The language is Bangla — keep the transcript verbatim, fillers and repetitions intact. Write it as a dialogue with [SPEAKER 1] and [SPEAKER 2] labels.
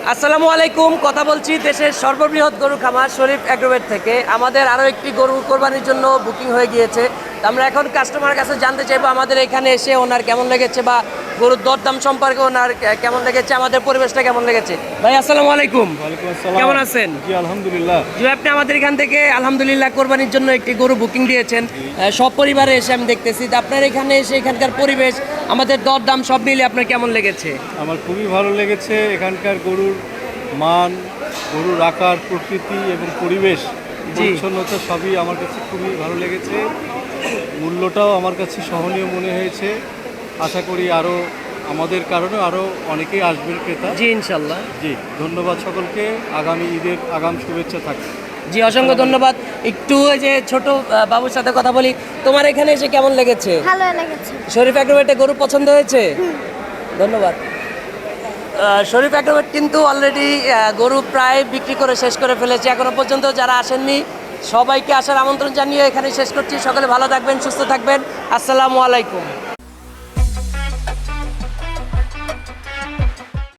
[SPEAKER 1] আসসালামু আলাইকুম। কথা বলছি দেশের সর্ববৃহৎ গরু খামার শরীফ অ্যাগ্রোভেট থেকে। আমাদের আরও একটি গরু কোরবানির জন্য বুকিং হয়ে গিয়েছে। তো আমরা এখন কাস্টমার কাছে জানতে চাইবো আমাদের এখানে এসে ওনার কেমন লেগেছে বা গরুর দরদাম সম্পর্কে ওনার কেমন লেগেছে, আমাদের পরিবেশটা কেমন লেগেছে। ভাই আসসালামু আলাইকুম।
[SPEAKER 2] ওয়ালাইকুম আসসালাম।
[SPEAKER 1] কেমন আছেন?
[SPEAKER 2] জি আলহামদুলিল্লাহ।
[SPEAKER 1] জি, আপনি আমাদের এখান থেকে আলহামদুলিল্লাহ কোরবানির জন্য একটি গরু বুকিং দিয়েছেন। আহ, সব পরিবারে এসে আমি দেখতেছি। তো আপনার এখানে এসে এখানকার পরিবেশ, আমাদের দরদাম সব মিলে আপনার কেমন লেগেছে?
[SPEAKER 2] আমার খুবই ভালো লেগেছে। এখানকার গরুর মান, গরুর আকার, প্রকৃতি এবং পরিবেশ, পরিচ্ছন্নতা সবই আমার কাছে খুবই ভালো লেগেছে। মূল্যটাও আমার কাছে সহনীয় মনে হয়েছে। আশা করি আরও আমাদের কারণে আরও অনেকেই আসবেন ক্রেতা।
[SPEAKER 1] জি ইনশাল্লাহ।
[SPEAKER 2] জি ধন্যবাদ সকলকে। আগামী ঈদের আগাম শুভেচ্ছা থাকবে।
[SPEAKER 1] জি অসংখ্য ধন্যবাদ। একটু ওই যে ছোট আহ, বাবুর সাথে কথা বলি। তোমার এখানে এসে কেমন লেগেছে?
[SPEAKER 3] ভালো লেগেছে।
[SPEAKER 1] শরীফ অ্যাগ্রোভেটে গরু পছন্দ হয়েছে? ধন্যবাদ। আহ, শরীফ অ্যাগ্রোভেট কিন্তু অলরেডি গরু প্রায় বিক্রি করে শেষ করে ফেলেছে। এখনো পর্যন্ত যারা আসেননি সবাইকে আসার আমন্ত্রণ জানিয়ে এখানে শেষ করছি। সকলে ভালো থাকবেন, সুস্থ থাকবেন। আসসালামু আলাইকুম।